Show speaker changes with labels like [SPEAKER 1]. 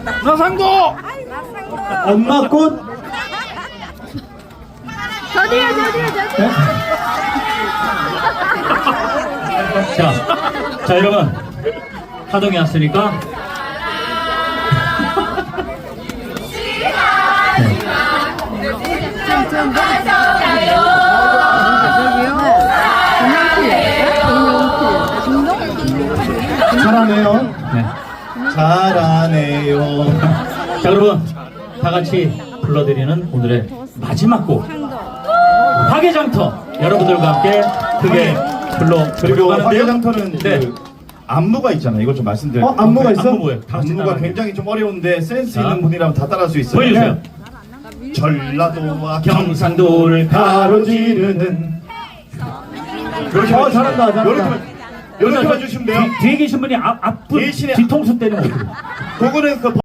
[SPEAKER 1] 나상도.
[SPEAKER 2] 엄마 꽃.
[SPEAKER 3] 저도요.
[SPEAKER 4] 자 여러분 하동이 왔으니까
[SPEAKER 2] 잘하네요.
[SPEAKER 4] 네.
[SPEAKER 2] 잘하네요.
[SPEAKER 4] 자 여러분 다 같이 불러드리는 오늘의 마지막 곡 화개장터 여러분들과 함께 크게
[SPEAKER 2] 그리고
[SPEAKER 4] 불러드리고 가는데요.
[SPEAKER 2] 화개장터는
[SPEAKER 4] 네.
[SPEAKER 2] 그 안무가 있잖아요. 이거 좀 말씀드려요.
[SPEAKER 4] 안무가 있어? 안무 뭐예요? 다 같이
[SPEAKER 2] 안무가
[SPEAKER 4] 따라하는
[SPEAKER 2] 굉장히 좀 어려운데 센스
[SPEAKER 4] 자.
[SPEAKER 2] 있는 분이라면 다 따라할 수 있어요.
[SPEAKER 4] 보여주세요.
[SPEAKER 2] 전라도와
[SPEAKER 4] 경상도를
[SPEAKER 2] 가로지르는
[SPEAKER 4] 잘한다, 잘한다.
[SPEAKER 2] 이렇게 해주시면 돼요.
[SPEAKER 4] 뒤에 계신 분이 앞분
[SPEAKER 2] 대신에-
[SPEAKER 4] 뒤통수 때리면 어떡해.
[SPEAKER 2] 그거는 그